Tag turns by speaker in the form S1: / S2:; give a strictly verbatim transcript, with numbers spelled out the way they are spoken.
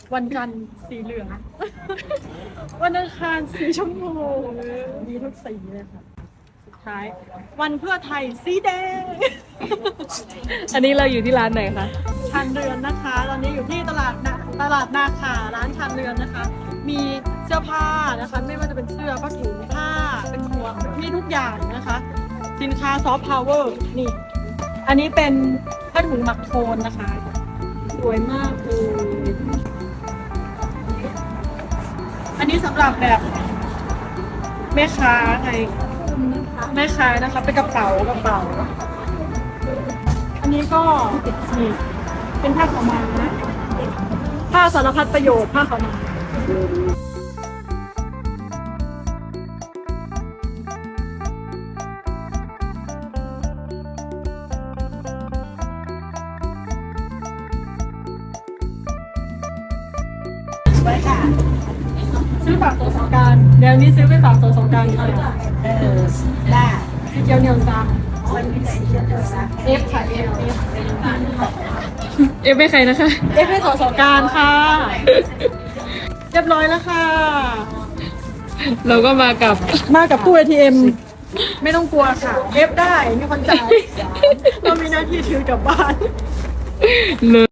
S1: วันจันทร์สีเหลืองวันอังคารสีชมพูมีทุกสีเลยค่ะสุดท้ายวันเพื่อไทยสีแดง
S2: อันนี้เราอยู่ที่ร้านไหนคะ
S1: ชานเรือนนะคะ ตอนนี้อยู่ที่ตลาดนาตลาดนาขาร้านชานเรือนนะคะ มีเสื้อผ้านะคะ ไม่ว่าจะเป็นเสื้อผ้าถุงผ้าเป็นหมวกมีทุกอย่างนะคะ สินค้าซอฟต์พาวเวอร์นี่ อันนี้เป็นผ้าถุงหมักโทนนะคะ สวยมากเลยอันนี้สำหรับแบบแม่ค้าไงแม่ค้านะคะเป็นกระเป๋ากระเป๋า อันนี้ก็นี่เป็นผ้าขาวม้าผ้าสารพัดประโยชน์ผ้าขาวม้าไว้ค่ะซื้อฝากโซสงการเดี๋ยวนี้ซื้อไปฝากโซสงการค่ะเออได้สีเขียวเหนียวซังเอฟค่ะเอฟเอฟ
S2: เอฟไม่ใครนะคะ
S1: เอฟให้โซสงการค่ะเรียบร้อยแล้วค่ะ
S2: เราก็มากับ
S1: มากับตู้ เอ ที เอ็ม ไม่ต้องกลัวค่ะเอฟได้มีคนจ่ายเรามีหน้าที่ถือกลับบ้าน
S2: เลย